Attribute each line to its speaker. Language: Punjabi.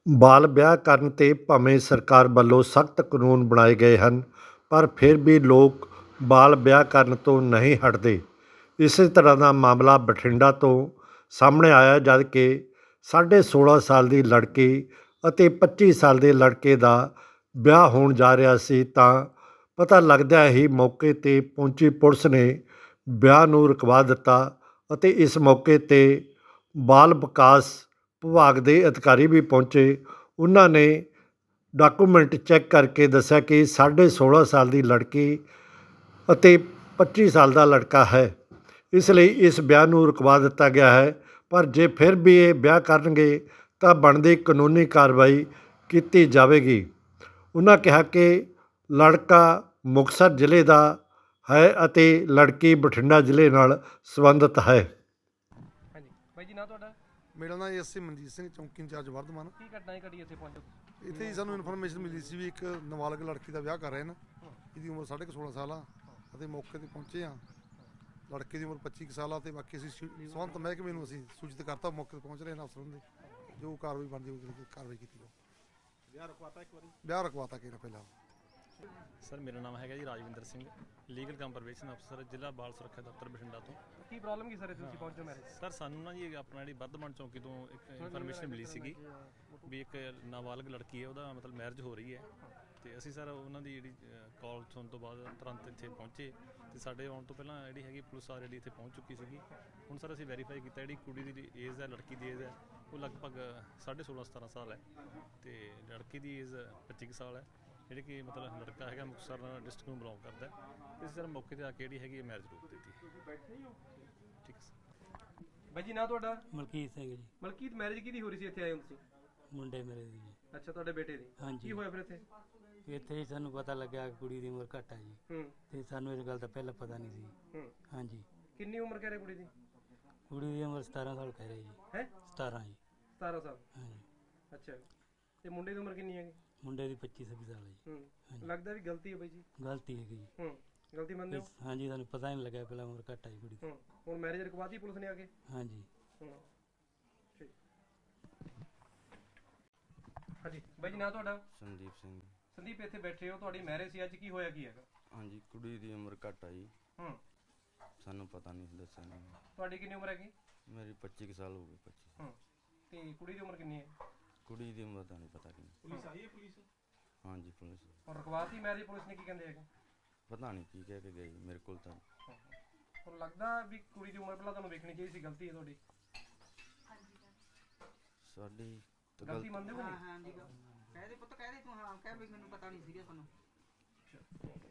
Speaker 1: ਬਾਲ ਵਿਆਹ ਕਰਨ 'ਤੇ ਭਾਵੇਂ ਸਰਕਾਰ ਵੱਲੋਂ ਸਖਤ ਕਾਨੂੰਨ ਬਣਾਏ ਗਏ ਹਨ, ਪਰ ਫਿਰ ਵੀ ਲੋਕ ਬਾਲ ਵਿਆਹ ਕਰਨ ਤੋਂ ਨਹੀਂ ਹਟਦੇ। ਇਸੇ ਤਰ੍ਹਾਂ ਦਾ ਮਾਮਲਾ ਬਠਿੰਡਾ ਤੋਂ ਸਾਹਮਣੇ ਆਇਆ, ਜਦ ਕਿ 16.5 ਸਾਲ ਦੀ ਲੜਕੀ ਅਤੇ 25 ਸਾਲ ਦੇ ਲੜਕੇ ਦਾ ਵਿਆਹ ਹੋਣ ਜਾ ਰਿਹਾ ਸੀ ਤਾਂ ਪਤਾ ਲੱਗਦਿਆਂ ਹੀ ਮੌਕੇ 'ਤੇ ਪਹੁੰਚੀ ਪੁਲਿਸ ਨੇ ਵਿਆਹ ਨੂੰ ਰੁਕਵਾ ਦਿੱਤਾ ਅਤੇ ਇਸ ਮੌਕੇ 'ਤੇ ਬਾਲ ਵਿਕਾਸ ਵਿਭਾਗ ਦੇ ਅਧਿਕਾਰੀ ਵੀ ਪਹੁੰਚੇ। ਉਹਨਾਂ ਨੇ ਡਾਕੂਮੈਂਟ ਚੈੱਕ ਕਰਕੇ ਦੱਸਿਆ ਕਿ 16.5 ਸਾਲ ਦੀ ਲੜਕੀ ਅਤੇ 25 ਸਾਲ ਦਾ ਲੜਕਾ ਹੈ, ਇਸ ਲਈ ਇਸ ਵਿਆਹ ਨੂੰ ਰੁਕਵਾ ਦਿੱਤਾ ਗਿਆ ਹੈ। ਪਰ ਜੇ ਫਿਰ ਵੀ ਇਹ ਵਿਆਹ ਕਰਨਗੇ ਤਾਂ ਬਣਦੀ ਕਾਨੂੰਨੀ ਕਾਰਵਾਈ ਕੀਤੀ ਜਾਵੇਗੀ। ਉਹਨਾਂ ਕਿਹਾ ਕਿ ਲੜਕਾ ਮੁਕਤਸਰ ਜ਼ਿਲ੍ਹੇ ਦਾ ਹੈ ਅਤੇ ਲੜਕੀ ਬਠਿੰਡਾ ਜ਼ਿਲ੍ਹੇ ਨਾਲ ਸੰਬੰਧਿਤ ਹੈ।
Speaker 2: ਹਾਂਜੀ ਬਾਈ ਜੀ, ਨਾਂ ਤੁਹਾਡਾ?
Speaker 3: ਮੇਰਾ ਨਾਮ ਐਸਏ ਮਨਜੀਤ ਸਿੰਘ, ਚੌਂਕੀ ਇੰਚਾਰਜ ਵਰਧਮਾਨ।
Speaker 2: ਕੀ ਘਟਨਾ ਘਟੀ ਇੱਥੇ ਪਹੁੰਚੋ?
Speaker 3: ਇੱਥੇ ਹੀ ਸਾਨੂੰ ਇਨਫੋਰਮੇਸ਼ਨ ਮਿਲੀ ਸੀ ਵੀ ਇੱਕ ਨਾਬਾਲਗ ਲੜਕੀ ਦਾ ਵਿਆਹ ਕਰ ਰਹੇ ਨੇ, ਇਹਦੀ ਉਮਰ 16.5 ਸਾਲ ਆ ਅਤੇ ਮੌਕੇ ਤੇ ਪਹੁੰਚੇ ਆ। ਲੜਕੇ ਦੀ ਉਮਰ 25 ਸਾਲ ਆ ਤੇ ਬਾਕੀ ਅਸੀਂ ਸਬੰਧਤ ਮਹਿਕਮੇ ਨੂੰ ਅਸੀਂ ਸੂਚਿਤ ਕਰਤਾ, ਮੌਕੇ ਤੇ ਪਹੁੰਚ ਰਹੇ ਨੇ ਅਫਸਰਾਂ ਦੇ, ਜੋ ਕਾਰਵਾਈ ਬਣਦੀ ਹੋਈ ਕਾਰਵਾਈ ਕੀਤੀ ਜਾਊ।
Speaker 2: ਵਿਆਹ ਰੁਕਵਾਤਾ ਇੱਕ ਵਾਰੀ?
Speaker 3: ਵਿਆਹ ਰੁਕਵਾਤਾ ਕਿਹੜਾ ਪਹਿਲਾਂ।
Speaker 4: ਸਰ ਮੇਰਾ ਨਾਮ ਹੈਗਾ ਜੀ ਰਾਜਵਿੰਦਰ ਸਿੰਘ, ਲੀਗਲ ਕੰਪਰਵੇਸ਼ਨ ਅਫਸਰ, ਜ਼ਿਲ੍ਹਾ ਬਾਲ ਸੁਰੱਖਿਆ ਦਫ਼ਤਰ ਬਠਿੰਡਾ ਤੋਂ।
Speaker 2: ਕੀ ਪ੍ਰੋਬਲਮ ਕੀ ਸਰ ਇੱਥੇ ਤੁਸੀਂ ਪਹੁੰਚੋ ਮੈਰਿਜ?
Speaker 4: ਸਰ ਸਾਨੂੰ ਨਾ ਜੀ ਆਪਣਾ ਜਿਹੜੀ ਵਰਧਮਾਨ ਚੌਂਕੀ ਤੋਂ ਇੱਕ ਇਨਫੋਰਮੇਸ਼ਨ ਮਿਲੀ ਸੀਗੀ ਵੀ ਇੱਕ ਨਾਬਾਲਗ ਲੜਕੀ ਹੈ, ਉਹਦਾ ਮਤਲਬ ਮੈਰਿਜ ਹੋ ਰਹੀ ਹੈ ਤੇ ਅਸੀਂ ਸਰ ਉਹਨਾਂ ਦੀ ਜਿਹੜੀ ਕਾਲ ਸੁਣਨ ਤੋਂ ਬਾਅਦ ਤੁਰੰਤ ਇੱਥੇ ਪਹੁੰਚੇ ਤੇ ਸਾਡੇ ਆਉਣ ਤੋਂ ਪਹਿਲਾਂ ਜਿਹੜੀ ਹੈਗੀ ਪੁਲਿਸ ਆ ਜਿਹੜੀ ਇੱਥੇ ਪਹੁੰਚ ਚੁੱਕੀ ਸੀਗੀ। ਹੁਣ ਸਰ ਅਸੀਂ ਵੈਰੀਫਾਈ ਕੀਤਾ, ਜਿਹੜੀ ਕੁੜੀ ਦੀ ਏਜ ਹੈ, ਲੜਕੀ ਦੀ ਏਜ ਹੈ ਉਹ ਲਗਭਗ 16.5-17 ਸਾਲ ਹੈ ਤੇ ਲੜਕੀ ਦੀ ਏਜ 25 ਸਾਲ ਹੈ। ਜਿਹੜੇ ਕਿ ਮਤਲਬ ਲੜਕਾ ਹੈਗਾ ਮੁਕਤਸਰ ਡਿਸਟ੍ਰਿਕਟ ਨੂੰ ਬਿਲੋਂਗ ਕਰਦਾ ਹੈ ਤੇ ਸਰ ਮੌਕੇ ਤੇ ਆ ਕੇ ਜਿਹੜੀ ਹੈਗੀ ਮੈਰਿਜ ਰੋਕ ਦਿੱਤੀ। ਠੀਕ ਹੈ ਸਰ।
Speaker 2: ਬਾਈ ਜੀ, ਨਾਂ ਤੁਹਾਡਾ?
Speaker 5: ਮਲਕੀਤ ਸਿੰਘ ਜੀ।
Speaker 2: ਮਲਕੀਤ, ਮੈਰਿਜ ਕਿਹਦੀ ਹੋ ਰਹੀ ਸੀ? ਇੱਥੇ ਆਏ ਹੋ ਤੁਸੀਂ?
Speaker 5: ਮੁੰਡੇ ਮੇਰੇ ਦੀ ਜੀ।
Speaker 2: ਅੱਛਾ, ਤੁਹਾਡੇ ਬੇਟੇ ਦੀ?
Speaker 5: ਹਾਂਜੀ।
Speaker 2: ਕੀ ਹੋਇਆ ਫਿਰ ਇੱਥੇ?
Speaker 5: ਇੱਥੇ ਹੀ ਸਾਨੂੰ ਪਤਾ ਲੱਗਿਆ ਕਿ ਕੁੜੀ ਦੀ ਉਮਰ ਘੱਟ ਹੈ ਜੀ ਤੇ ਸਾਨੂੰ ਇਸ ਗੱਲ ਦਾ ਪਹਿਲਾਂ ਪਤਾ ਨਹੀਂ ਸੀ। ਹਾਂਜੀ।
Speaker 2: ਕਿੰਨੀ ਉਮਰ ਕਹਿ ਰਹੇ ਕੁੜੀ ਦੀ?
Speaker 5: ਕੁੜੀ ਦੀ ਉਮਰ 17 ਸਾਲ ਕਹਿ ਰਹੇ ਜੀ।
Speaker 2: ਹੈ
Speaker 5: 17 ਜੀ।
Speaker 2: 17 ਸਾਲ?
Speaker 5: ਹਾਂਜੀ।
Speaker 2: ਅੱਛਾ, ਤੇ ਮੁੰਡੇ ਦੀ ਉਮਰ ਕਿੰਨੀ ਹੈਗੀ?
Speaker 5: ਮੁੰਡੇ ਦੀ 25-26 ਸਾਲ ਹੈ ਜੀ।
Speaker 2: ਲੱਗਦਾ ਵੀ ਗਲਤੀ ਹੈ ਬਾਈ ਜੀ?
Speaker 5: ਗਲਤੀ ਹੈਗੀ ਜੀ।
Speaker 2: ਗਲਤੀ ਮੰਨਦੇ ਹੋ?
Speaker 5: ਹਾਂਜੀ, ਸਾਨੂੰ ਪਤਾ ਹੀ ਨਹੀਂ ਲੱਗਿਆ ਪਹਿਲਾਂ ਉਮਰ ਘੱਟ ਹੈ ਜੀ ਕੁੜੀ ਦੀ।
Speaker 2: ਹੁਣ ਮੈਰਿਜ ਰੁਕਵਾਤੀ ਪੁਲਿਸ ਨੇ ਆ ਕੇ?
Speaker 5: ਹਾਂਜੀ।
Speaker 2: ਠੀਕ। ਹਾਂਜੀ ਬਾਈ ਜੀ, ਨਾਂ ਤੁਹਾਡਾ?
Speaker 6: ਸੰਦੀਪ ਸਿੰਘ।
Speaker 2: ਸੰਦੀਪ, ਇੱਥੇ ਬੈਠੇ ਹੋ, ਤੁਹਾਡੀ ਮੈਰਿਜ ਸੀ ਅੱਜ, ਕੀ ਹੋਇਆ ਕੀ ਹੈਗਾ?
Speaker 6: ਹਾਂਜੀ, ਕੁੜੀ ਦੀ ਉਮਰ ਘੱਟ ਆ ਜੀ। ਸਾਨੂੰ ਪਤਾ ਨਹੀਂ ਦੱਸਿਆ ਨਹੀਂ।
Speaker 2: ਤੁਹਾਡੀ ਕਿੰਨੀ ਉਮਰ ਹੈਗੀ?
Speaker 6: ਮੇਰੀ 25 ਸਾਲ ਹੋ ਗਏ। 25।
Speaker 2: ਤੇ ਕੁੜੀ ਦੀ ਉਮਰ ਕਿੰਨੀ ਹੈ?
Speaker 6: ਕੁੜੀ ਦੀ ਉਮਰ ਦਾ ਨਹੀਂ ਪਤਾ ਕਿੰਨੀ।
Speaker 2: ਪੁਲਿਸ ਆਈ ਹੈ? ਪੁਲਿਸ?
Speaker 6: ਹਾਂਜੀ ਪੁਲਿਸ।
Speaker 2: ਹੁਣ ਰੁਕਵਾਤੀ ਮੈਰਿਜ, ਪੁਲਿਸ ਨੇ ਕੀ ਕਹਿੰਦੇ ਹੈਗੇ?
Speaker 6: ਪਤਾ ਨਹੀਂ ਕੀ ਕਹਿ ਕੇ ਗਈ ਮੇਰੇ ਕੋਲ ਤਾਂ।
Speaker 2: ਹੁਣ ਲੱਗਦਾ ਵੀ ਕੁੜੀ ਦੀ ਉਮਰ ਪਹਿਲਾਂ ਤੁਹਾਨੂੰ ਵੇਖਣੀ ਚਾਹੀਦੀ ਸੀ, ਗਲਤੀ ਹੈ ਤੁਹਾਡੀ?
Speaker 6: ਸਾਡੀ ਤਾਂ
Speaker 2: ਗਲਤੀ ਮੰਨਦੇ ਹੋ?
Speaker 7: ਹਾਂ ਜੀ, ਕਹਿ ਦੇ ਪੁੱਤ, ਕਹਿ ਦੇ ਤੂੰ, ਹਾਂ ਕਹਿ ਵੀ ਮੈਨੂੰ ਪਤਾ ਨਹੀਂ ਸੀਗਾ ਸਾਨੂੰ।